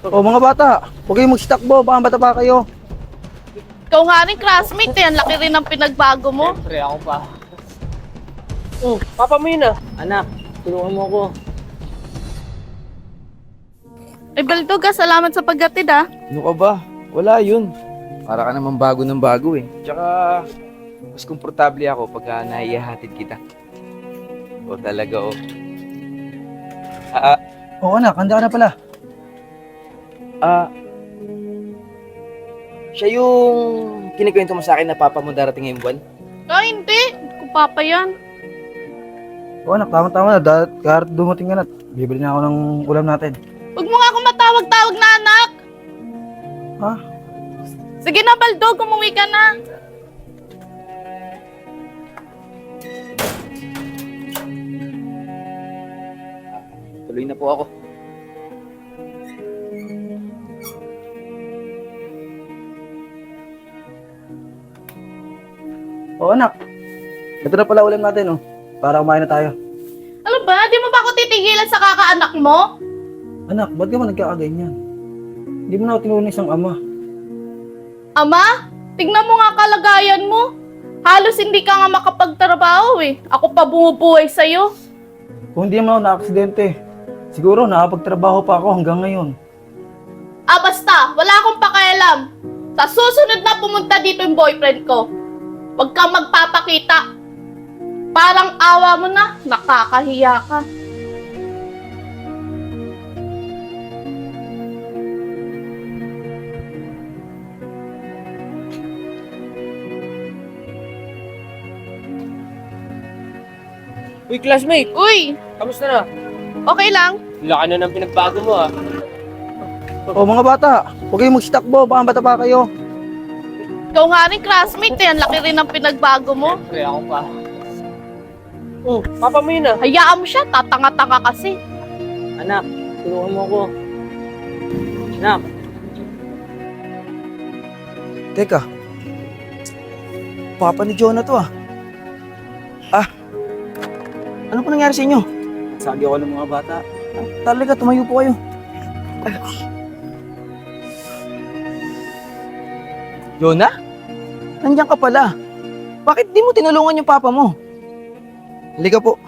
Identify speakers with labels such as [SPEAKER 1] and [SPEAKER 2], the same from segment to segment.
[SPEAKER 1] O mga bata, huwag kayong mag-stakbo, baka bata pa kayo.
[SPEAKER 2] Ikaw nga rin classmate eh. Ang laki rin ng pinagbago mo.
[SPEAKER 3] Siyempre, ako pa. Oh, papa mo yun ah. Anak, tulungan mo ako.
[SPEAKER 2] Ay, Baldoga, salamat sa paggatid ah.
[SPEAKER 1] Ano ka ba? Wala yun. Para ka naman bago ng bago eh. Tsaka, mas komportable ako pagka naihahatid kita. O talaga o. Oo anak, handa ka na pala. Siya yung kinikwento mo sa akin na papa mo darating ngayong buwan?
[SPEAKER 2] Ay, hindi. Kung papa yan.
[SPEAKER 1] Oo anak, tama-tama na. Kahit dumating ka na, bibili na ako ng ulam natin.
[SPEAKER 2] Huwag mo nga akong matawag-tawag na anak.
[SPEAKER 1] Ha?
[SPEAKER 2] Sige na, Baldog. Umuwi ka na.
[SPEAKER 1] Tuloy na po ako. Oo anak, ito na pala ulam natin oh. Para kumain na tayo.
[SPEAKER 2] Ano ba? Di mo ba ako titigilan sa kakaanak mo?
[SPEAKER 1] Anak, ba't ka ba nagkakaganyan? Hindi mo na ako tinulong isang ama.
[SPEAKER 2] Ama, tignan mo nga kalagayan mo. Halos hindi ka nga makapagtrabaho eh. Ako pa bumubuhay sa'yo.
[SPEAKER 1] Kung hindi naman ako na-aksidente, siguro nakapagtrabaho pa ako hanggang ngayon.
[SPEAKER 2] Ah, basta. Wala akong pakialam. Sa susunod na pumunta dito yung boyfriend ko, huwag kang magpapakita. Parang awa mo na. Nakakahiya ka.
[SPEAKER 3] Uy, classmate,
[SPEAKER 2] Uy,
[SPEAKER 3] kamusta na?
[SPEAKER 2] okay lang.
[SPEAKER 3] Laki na ng pinagbago mo ah.
[SPEAKER 1] O mga bata, huwag kayong mag-stakbo, baka bata pa kayo.
[SPEAKER 2] Ikaw nga rin classmate eh. Ang laki rin ng pinagbago mo.
[SPEAKER 3] Siyempre, ako pa. Oh, papa mo yun ah.
[SPEAKER 2] Hayaan mo siya. Tatanga-tanga kasi.
[SPEAKER 3] Anak, tulungan mo ako. Anak.
[SPEAKER 1] Teka, papa ni Jonah to ah. Ano po nangyari sa inyo? Sabi ako ng mga bata. Talaga, tumayo po kayo. Jonah? Nandiyan ka pala. Bakit di mo tinulungan yung papa mo? Halika po.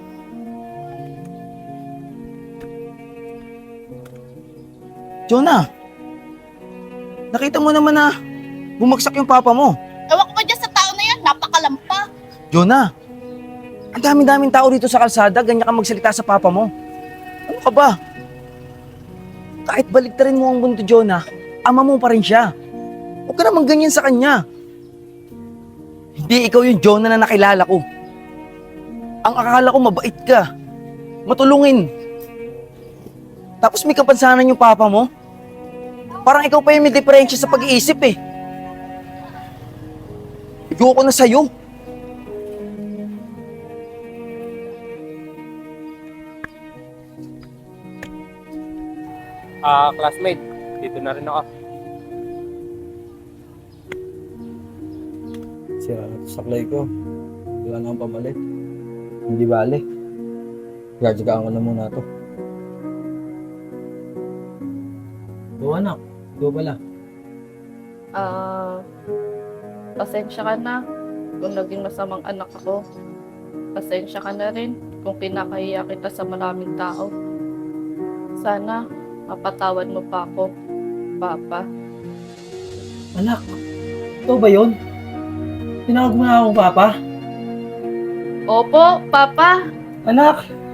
[SPEAKER 1] Jonah, nakita mo naman na bumagsak yung papa mo.
[SPEAKER 2] Ewan ko ba dyan sa tao na yan? Napakalampa.
[SPEAKER 1] Jonah, ang daming-daming tao dito sa kalsada, ganyan ka magsalita sa papa mo. Ano ka ba? Kahit baliktarin mo ang mundo, Jonah, ama mo pa rin siya. Huwag ka naman ganyan sa kanya. Hindi ikaw yung Jonah na nakilala ko. Ang akala ko mabait ka, matulungin. Tapos may kapansanan yung papa mo. Parang ikaw pa yung may diferensya sa pag-iisip eh. Ayoko na sa'yo.
[SPEAKER 3] Classmate, dito na rin ako.
[SPEAKER 1] Sira na ito sa saklay ko. Wala na akong pamalit. Hindi bale. Gagagaan ko na muna ito. Oo anak, ito pala.
[SPEAKER 2] Pasensya ka na kung naging masamang anak ako. Pasensya ka na rin kung kinakahiya kita sa maraming tao. Sana mapatawad mo pa ako, Papa.
[SPEAKER 1] Anak, ito ba yun? Tinawag mo na akong papa?
[SPEAKER 2] Opo, Papa.
[SPEAKER 1] Anak,